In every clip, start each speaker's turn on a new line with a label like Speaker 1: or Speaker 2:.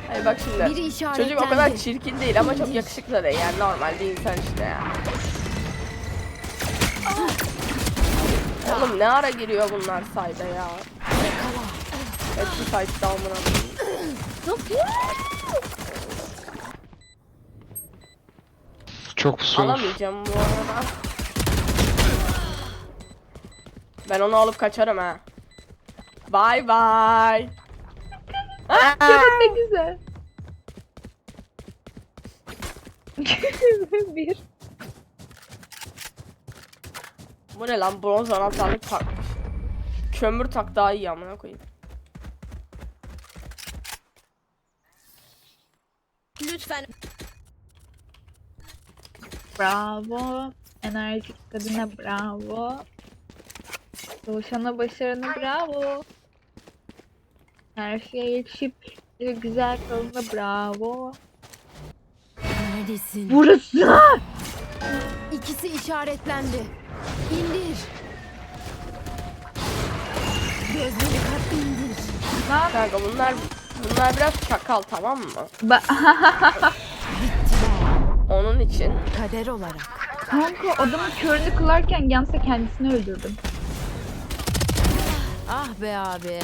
Speaker 1: Hayır bak şimdi.
Speaker 2: Biri
Speaker 1: Çocuk o kadar
Speaker 2: işaretlendi.
Speaker 1: çirkin değil ama çok yakışıklı da değil. Yani normal bir insan işte ya. Oğlum ne ara giriyor bunlar sayda ya. Hepsi sayda amına.
Speaker 3: Çok pusu.
Speaker 1: Alamayacağım bu arada. Ben onu alıp kaçarım ha. Bye bye.
Speaker 4: Ne güzel. Bir.
Speaker 1: Bu ne lan, bronz anahtarlık takmış. Kömür tak daha iyi amına koyayım.
Speaker 2: Lütfen.
Speaker 4: Bravo. Enerjik kadına bravo. Doğuşana başarına bravo. Her şeye yetişip güzel kalına bravo.
Speaker 2: Neredesin?
Speaker 4: Burası.
Speaker 2: İkisi işaretlendi. İndir. Gözleri kat indir.
Speaker 1: Kanka bunlar biraz çakal, tamam mı?
Speaker 2: Bittiler.
Speaker 1: Onun için.
Speaker 2: Kader olarak.
Speaker 4: Kanka adamın körünü kılarken yansa kendisini öldürdüm.
Speaker 2: Ah be abi.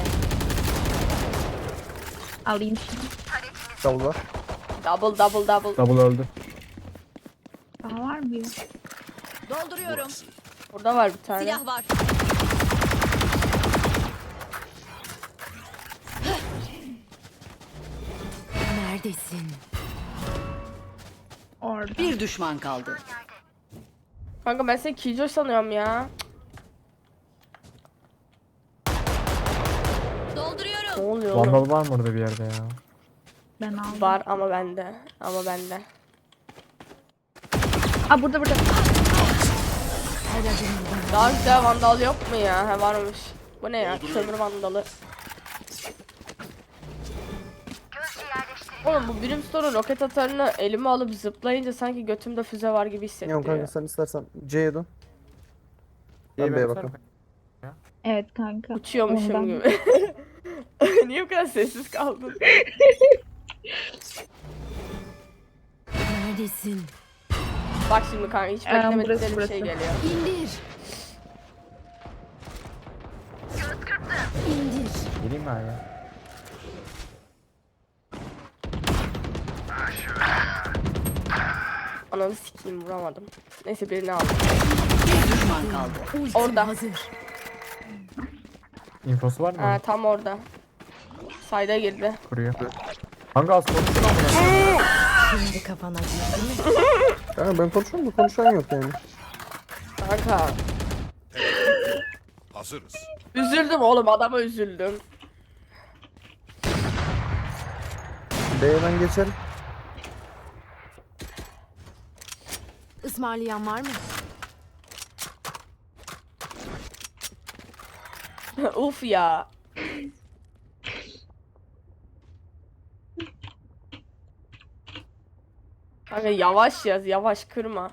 Speaker 4: Alayım şunu.
Speaker 5: Double var.
Speaker 1: Double.
Speaker 5: Double öldü.
Speaker 4: Daha var mı?
Speaker 2: Dolduruyorum.
Speaker 1: Burada var bir tane.
Speaker 2: Silah var. Neredesin?
Speaker 4: Orada.
Speaker 6: Bir düşman kaldı.
Speaker 1: Kanka ben seni Killjoy sanıyorum ya. Ne
Speaker 2: Dolduruyorum.
Speaker 1: oluyor oğlum?
Speaker 5: Vandal var mı orada bir yerde ya?
Speaker 4: Ben aldım.
Speaker 1: Var ama bende.
Speaker 4: Aa burada.
Speaker 2: Her adımda.
Speaker 1: Daha güzel vandal yok mu ya? He varmış. Bu ne ya? Kömür vandalı. Oğlum bu Brimstone'un roket atarını elime alıp zıplayınca sanki götümde füze var gibi
Speaker 7: Yok
Speaker 1: hissettiriyor.
Speaker 7: kanka sen istersen C'ye dön. Ben B'ye bakalım.
Speaker 4: Evet kanka.
Speaker 1: Uçuyormuşum
Speaker 4: Ondan.
Speaker 1: gibi. Niye bu kadar sessiz kaldın?
Speaker 2: Neredesin?
Speaker 1: Bak şimdi kanka hiç beklemedikleri bir şey
Speaker 4: burası.
Speaker 1: geliyor.
Speaker 2: İndir. İndir.
Speaker 5: Geleyim mi abi?
Speaker 1: Ananı sikeyim, vuramadım. Neyse birini aldım.
Speaker 6: Bir düşman kaldı.
Speaker 2: Ultim
Speaker 1: Orada.
Speaker 2: hazır.
Speaker 5: Infosu var mı?
Speaker 1: Ha tam orada. Sayda girdi.
Speaker 5: Kuruyor. Kanka az konuşun ama.
Speaker 2: Şimdi kafan acıyor değil mi?
Speaker 7: Kanka ben konuşuyorum da konuşan yok yani.
Speaker 1: Kanka.
Speaker 8: Hazırız.
Speaker 1: Üzüldüm oğlum, adama üzüldüm.
Speaker 7: B'ye ben geçerim.
Speaker 2: Ismarlayan var mı?
Speaker 1: Uf ya. Kanka yavaş yaz, yavaş kırma.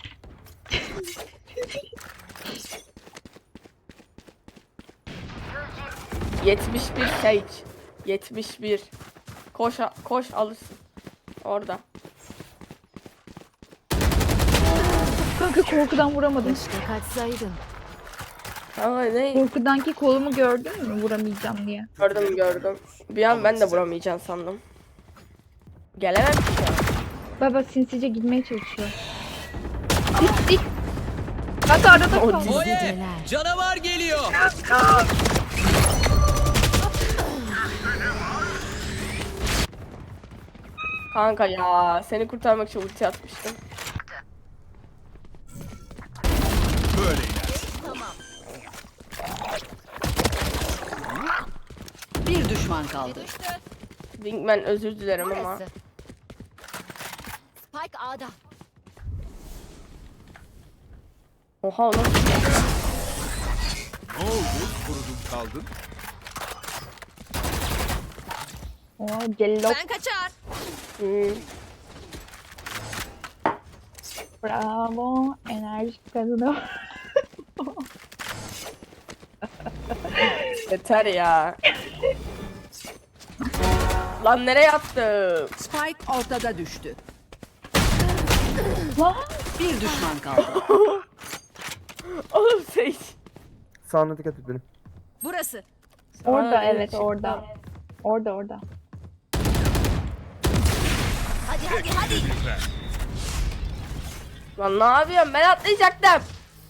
Speaker 1: ...71 Sage. 71. Koş alırsın. Orada.
Speaker 4: Kanka korkudan vuramadım.
Speaker 2: Keşke kaçsaydın.
Speaker 1: Kanka ne?
Speaker 4: Korkudan ki kolumu gördün mü vuramayacağım diye.
Speaker 1: Gördüm. Bir an ben de vuramayacağım sandım. Gelemem ki.
Speaker 4: Baba sinsice gitmeye çalışıyor. Dik. Kanka arada
Speaker 1: O
Speaker 4: kaldı.
Speaker 2: Geceler.
Speaker 9: Canavar geliyor.
Speaker 1: Kanka ya, seni kurtarmak için ulti atmıştım.
Speaker 8: Böyle iner.
Speaker 6: Bir düşman kaldı.
Speaker 1: Wingman özür dilerim ama.
Speaker 2: Burası. Spike A'da.
Speaker 1: Oha oğlum.
Speaker 8: Ne oldu? Kurudun kaldın.
Speaker 4: Oo cellop.
Speaker 2: Ben kaçar.
Speaker 1: Hmm.
Speaker 4: Bravo. Enerjik kadına.
Speaker 1: Yeter ya. Lan nereye attım?
Speaker 6: Spike ortada düştü.
Speaker 4: Lan
Speaker 6: Bir düşman kaldı.
Speaker 1: Oğlum Sage.
Speaker 7: Sağına dikkat et benim.
Speaker 6: Burası.
Speaker 4: orada
Speaker 1: Aa,
Speaker 4: evet
Speaker 1: çıktı.
Speaker 4: orada. Orada.
Speaker 1: Lan ne yapıyorsun? Ben atlayacaktım.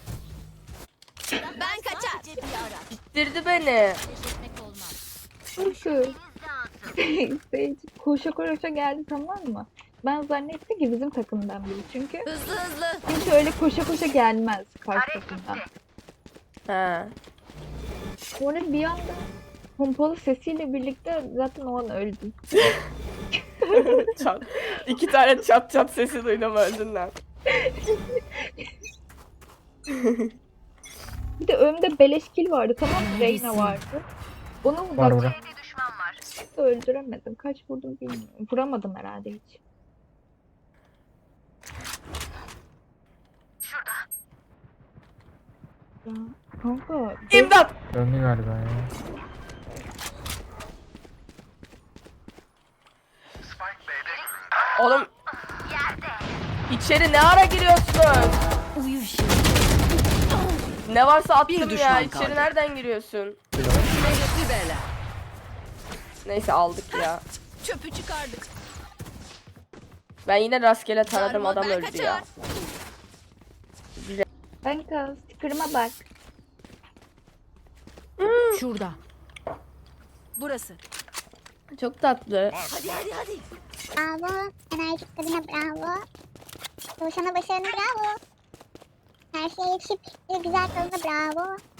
Speaker 2: Ben kaçar.
Speaker 1: Bitirdi beni.
Speaker 4: Nasıl? Sage koşa koşa geldi tamam mı? Ben zannettim ki bizim takımdan biri çünkü.
Speaker 2: Hızlı.
Speaker 4: Çünkü öyle koşa koşa gelmez karşı takımdan.
Speaker 1: He.
Speaker 4: Sonra bir anda pompalı sesiyle birlikte zaten o an öldüm.
Speaker 1: Çat. 2 tane çat çat sesi duydum öldün lan.
Speaker 4: Bir de önümde beleş kill vardı tamam mı? Reyna vardı. Onu
Speaker 5: Var
Speaker 4: bak
Speaker 5: burada.
Speaker 4: öldüremedim. Kaç vurdum bilmiyorum. Vuramadım herhalde hiç. Ya, kanka
Speaker 1: İmdat.
Speaker 5: Döndü galiba ya.
Speaker 1: Oğlum. İçeri ne ara giriyorsun?
Speaker 2: Uyu şimdi.
Speaker 1: Ne varsa attım
Speaker 6: Bir
Speaker 1: ya.
Speaker 6: düşman
Speaker 1: İçeri
Speaker 6: kaldı.
Speaker 1: nereden giriyorsun?
Speaker 6: Mehmetli bela.
Speaker 1: Neyse aldık ya.
Speaker 2: Çöpü çıkardık.
Speaker 1: Ben yine rastgele taradım adam
Speaker 2: Ben
Speaker 1: öldü
Speaker 2: kaçar.
Speaker 1: ya.
Speaker 4: kanka sticker'ıma bak.
Speaker 2: Şurada. Burası.
Speaker 1: Çok tatlı.
Speaker 2: Hadi.
Speaker 9: Bravo. Enerjik kadına bravo. Çalışana başarına bravo. Her şeye yetişip bir güzel kadına bravo.